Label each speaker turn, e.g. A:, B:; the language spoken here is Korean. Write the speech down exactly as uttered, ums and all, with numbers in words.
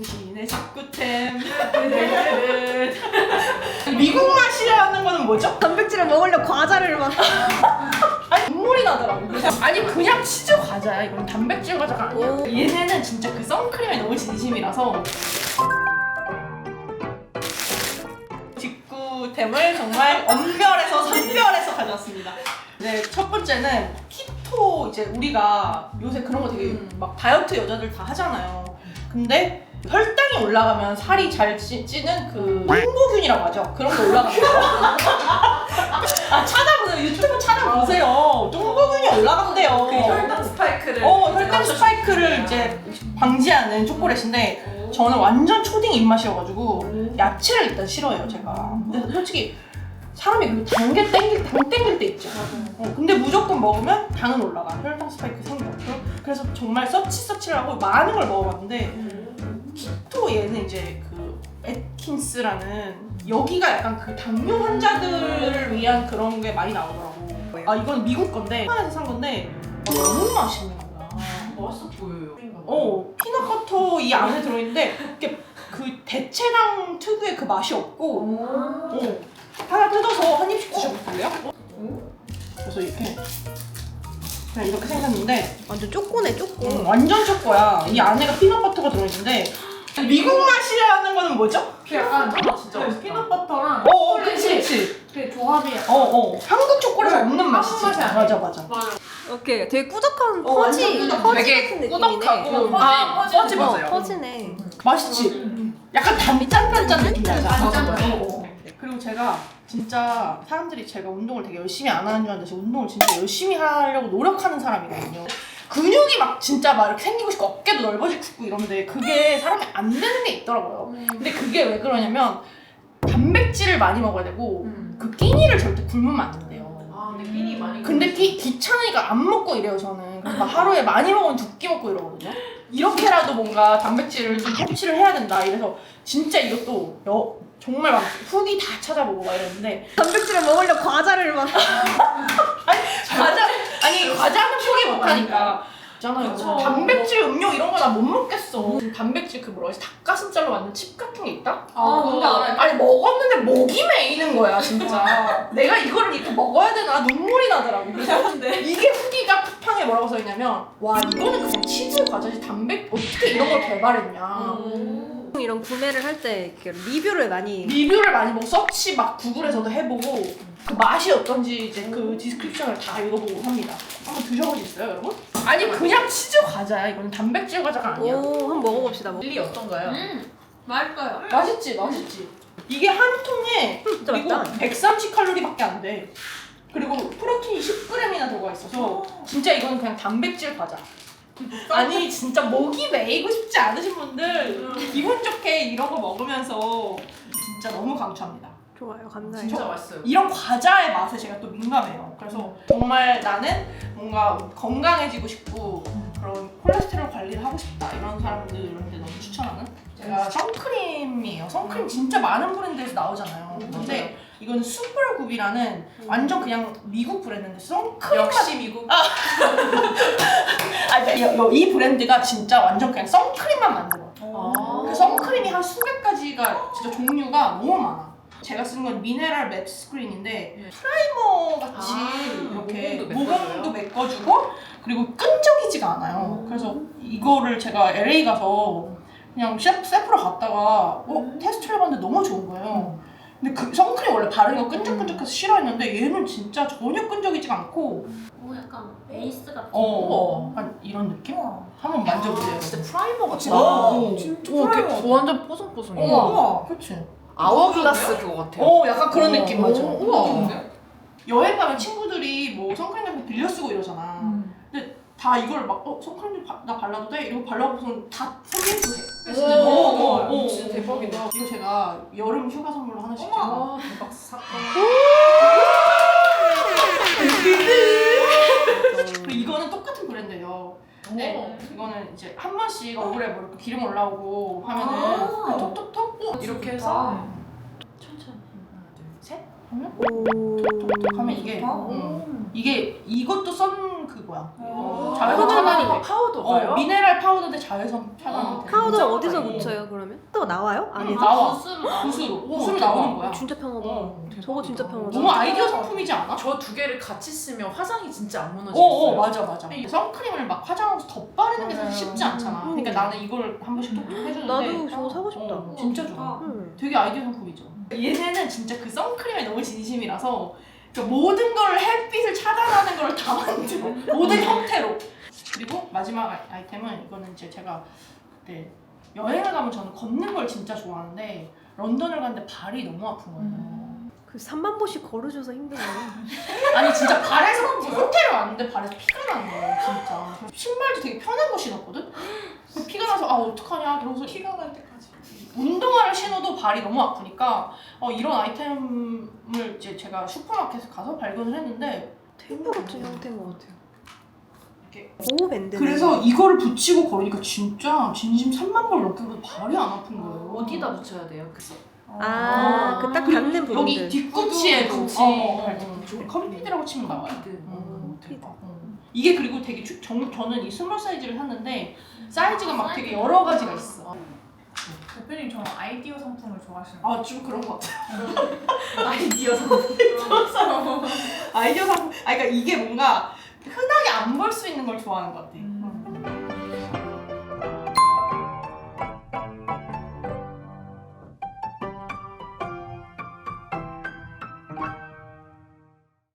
A: 당신의 직구템. 미국 맛이라는 거는 뭐죠?
B: 단백질을 먹으려 과자를 막.
A: 아니 눈물이 나더라고. 그래서 아니 그냥 치즈 과자야. 이건 단백질 과자가 아니야.
B: 오.
A: 얘네는 진짜 그 선크림에 너무 진심이라서 직구템을 정말 엄별해서 선별해서 가져왔습니다. 네, 첫 번째는 키토. 이제 우리가 요새 그런 거 되게 막 다이어트 여자들 다 하잖아요. 근데 혈당이 올라가면 살이 잘 찌, 찌는 그 홍보균이라고 하죠. 그런 거 올라가요. 아 찾아보세요. 유튜브 찾아보세요. 홍보균이 올라간대요.
C: 그 혈당 스파이크를
A: 어 혈당 스파이크를 이제 방지하는 초콜릿인데 저는 완전 초딩 입맛이어가지고 야채를 일단 싫어해요 제가. 근데 솔직히 사람이 그 단게 땡길 당 땡길 때 있죠. 어, 근데 무조건 먹으면 당은 올라가. 혈당 스파이크 생겨. 그래서 정말 서치 서치를 하고 많은 걸 먹어봤는데 키토 얘는 이제 그 애킨스라는 여기가 약간 그 당뇨 환자들을 위한 그런 게 많이 나오더라고. 아 이건 미국 건데 한에서 산 건데 아, 너무 맛있는 거야.
C: 맛있어 보여요.
A: 어 피넛버터 이 안에 들어있는데 이렇게 그 대체당 특유의 그 맛이 없고 어, 하나 뜯어서 한 입씩 드셔볼래요? 그래서 이렇게 그냥 이렇게 생겼는데
B: 완전 쪼꼬네 쪼꼬.
A: 음, 완전 초코야. 이 안에가 피넛버터가 들어있는데 미국 맛이라는 거는 뭐죠?
C: 그 약간 아, 진짜
A: 네,
C: 맛있다.
A: 피넛버터랑 어어 그치 그치
C: 그 조합이
A: 어어 한국 초콜릿에 없는 맛이지.
C: 맛이 아니야.
A: 맞아 맞아.
C: 맞아.
B: 오케이. 되게 꾸덕한
A: 어,
B: 퍼지.
A: 완전 꾸덕.
B: 퍼지
C: 되게
B: 같은 느낌이네.
C: 꾸덕하고
A: 아,
C: 퍼지
A: 퍼지
B: 어,
A: 맞아요.
B: 퍼지네.
A: 맛있지? 약간 단짠단짠 느낌 나잖아.
C: 단짠.
A: 어, 어. 그리고 제가 진짜 사람들이 제가 운동을 되게 열심히 안 하는 줄 알았는데 제가 운동을 진짜 열심히 하려고 노력하는 사람이거든요. 근육이 막 진짜 막 이렇게 생기고 싶고 어깨도 넓어지고 싶고 이러는데 그게 사람이 안 되는 게 있더라고요. 근데 그게 왜 그러냐면 단백질을 많이 먹어야 되고
C: 음.
A: 그 끼니를 절대 굶으면 안 된대요.
C: 아 근데 끼니 많이.
A: 근데 끼, 귀찮으니까 안 먹고 이래요 저는. 그래서 막 하루에 많이 먹으면 두 끼 먹고 이러거든요. 이렇게라도 뭔가 단백질을 좀 섭취를 해야 된다. 이래서 진짜 이것도 여, 정말 막 후기 다 찾아보고 막 이랬는데
B: 단백질을 먹으려 과자를 막.
A: 과자 아니 과자는 포기 못하니까 있잖아요.
C: 그쵸.
A: 단백질 음료 이런 거 나 못 먹겠어. 단백질 그 뭐라 해서 닭가슴살로 만든 칩 같은 게 있다?
C: 아 뭔지 알아요.
A: 아니 먹었는데 목이 메이는 거야 진짜. 내가 이거를 이렇게 먹어야 되나 눈물이 나더라고. 그래서 이게 후기가 쿠팡에 뭐라고 써있냐면 와 이거는 그냥 치즈 과자지 단백 어떻게 이런 걸 개발했냐.
B: 이런 구매를 할 때 리뷰를 많이.
A: 리뷰를 많이 보고 서치 막 구글에서도 해보고 그 맛이 어떤지 이제 그 디스크립션을 다 읽어보고 합니다. 한번 드셔보셨어요 여러분? 아니 그냥 치즈 과자야. 이건 단백질 과자가 아니야.
B: 오, 한번 먹어봅시다. 먹.
C: 릴리 어떤가요? 음 맛있어요.
A: 맛있지 맛있지. 이게 한 통에
B: 진짜
A: 그리고
B: 맛있다.
A: 백삼십 칼로리밖에 안 돼. 그리고 프로틴이 십 그램이나 들어가 있어서 진짜 이건 그냥 단백질 과자. 아니 진짜 목이 메이고 싶지 않으신 분들 기분 좋게 이런 거 먹으면서 진짜 너무 강추합니다.
B: 좋아요. 감사해요.
C: 진짜 맛있어요.
A: 이런 과자의 맛에 제가 또 민감해요. 그래서 정말 나는 뭔가 건강해지고 싶고 그런 콜레스테롤 관리를 하고 싶다 이런 사람들한테 너무 추천하는 제가 선크림이에요. 선크림 진짜 많은 브랜드에서 나오잖아요. 근데 이건 슈퍼굽이라는 완전 그냥 미국 브랜드인데 선크림
C: 역시 미국.
A: 아, 이, 이 브랜드가 진짜 완전 그냥 선크림만 만들어.
C: 아.
A: 그 선크림이 한 수백 가지가 진짜 종류가 너무 많아. 제가 쓰는 건 미네랄 맵 스크린인데 프라이머 같이
C: 아,
A: 이렇게
C: 모공도
A: 모공도 메꿔주고 그리고 끈적이지가 않아요. 그래서 이거를 제가 엘에이 가서 그냥 셰프, 셰프로 갔다가 어, 테스트를 해봤는데 너무 좋은 거예요. 근데 그 선크림 원래 바르는 거 끈적끈적해서 싫어했는데 얘는 진짜 전혀 끈적이지가 않고
D: 오 약간 베이스 같은
A: 어, 어 약간 이런 느낌? 한번 만져보세요.
C: 아, 진짜 프라이머 같다.
A: 어,
C: 진짜
A: 어,
C: 프라이머.
A: 이렇게
C: 완전 뽀송뽀송해.
A: 우와, 우와, 그치?
C: 아워글라스 그거 같아요.
A: 어, 약간 그런 느낌
C: 오,
A: 맞아.
C: 우와.
A: 여행 가면 친구들이 뭐 선크림 같은 거 빌려 쓰고 이러잖아.
C: 음.
A: 근데 다 이걸 막, 어, 선크림 좀 바, 나 발라도 돼? 이러고 발라보고선 다 선민수 해.
C: 진짜
A: 어,
C: 너무
A: 어,
C: 좋아요.
A: 어,
C: 진짜 대박이다.
A: 이거 제가 여름 휴가 선물로 하나씩 제가.
C: 아, 대박 사건.
A: 그리고 이거는 똑같은 브랜드예요. 네, 이거는 이제 한 번씩 얼굴에 뭐 이렇게 기름 올라오고 하면은
C: 아.
A: 톡톡톡 어,
C: 이렇게 해서
A: 천천히 하나 둘셋 하면
B: 오.
A: 톡톡톡 하면 이게 음, 이게 이것도 선 그거 거야.
C: 오.
A: 자외선 차단이 돼.
C: 파우더가요?
A: 어, 미네랄 파우더인데 자외선 차단이 돼.
B: 파우더
C: 진짜
B: 어디서
C: 많이.
B: 묻혀요 그러면? 또 나와요?
A: 응,
B: 안에서?
A: 나와.
D: 부스로 나오는
A: 붓으로.
C: 오,
A: 붓으로
C: 대박.
A: 나오는 거야.
B: 진짜 편하다.
A: 어.
B: 저거 진짜 편하다.
A: 너무 아이디어 상품이지 않아?
C: 저 두 개를 같이 쓰면 화장이 진짜 안 무너지겠어요.
A: 어어 맞아 맞아. 이 선크림을 막 화장하면서 덧바르는 게 사실 쉽지 않잖아.
B: 음.
A: 그러니까 나는 이걸 한 번씩 톡톡 해주는데
B: 나도 저거 사고 싶다.
A: 어, 진짜 좋아.
B: 음.
A: 되게 아이디어 상품이죠. 얘네는 진짜 그 선크림에 너무 진심이라서 그러니까 모든 걸 햇빛을 차단하는 걸 다 만들어. 모든 형태로. 그리고 마지막 아이- 아이템은 이거는 이제 제가 그때 여행을 가면 저는 걷는 걸 진짜 좋아하는데 런던을 갔는데 발이 너무 아픈 거예요.
B: 그 삼만 보씩 걸어줘서 힘드네.
A: 아니 진짜 발에서 호텔을 왔는데 발에서 피가 나는 거예요 진짜. 신발도 되게 편한 거 신었거든? 근데 피가 나서 아 어떡하냐 그러고서
C: 피가 날 때까지.
A: 운동화를 신어도 발이 너무 아프니까 어, 이런 아이템을 이제 제가 슈퍼마켓에 가서 발견을 했는데
B: 테이프 같은 형태인 것 같아요.
A: 이렇게.
B: 보호 밴드.
A: 그래서 이거를 붙이고 걸으니까 진짜 진심 삼만 볼 넘게 걸어도 발이 안 아픈 거예요.
C: 어디다 붙여야 돼요? 그래서
B: 아, 그 딱 닿는 부분들.
A: 여기 뒤꿈치에
C: 구두,
A: 붙이
C: 구두.
A: 어, 어, 컴피드라고 치면 나와요.
C: 컴피드.
A: 음.
B: 컴피드.
A: 어. 이게 그리고 되게 주, 정, 저는 이 스몰 사이즈를 샀는데 사이즈가 막 되게 여러 가지가 있어.
E: 대표님 저는 아이디어 상품을 좋아하시는
A: 아 좀 그런 것 같아요.
C: 아이디어 상품.
A: 아이디어 상품. 아 그러니까 이게 뭔가 흔하게 안 볼 수 있는 걸 좋아하는 것 같아.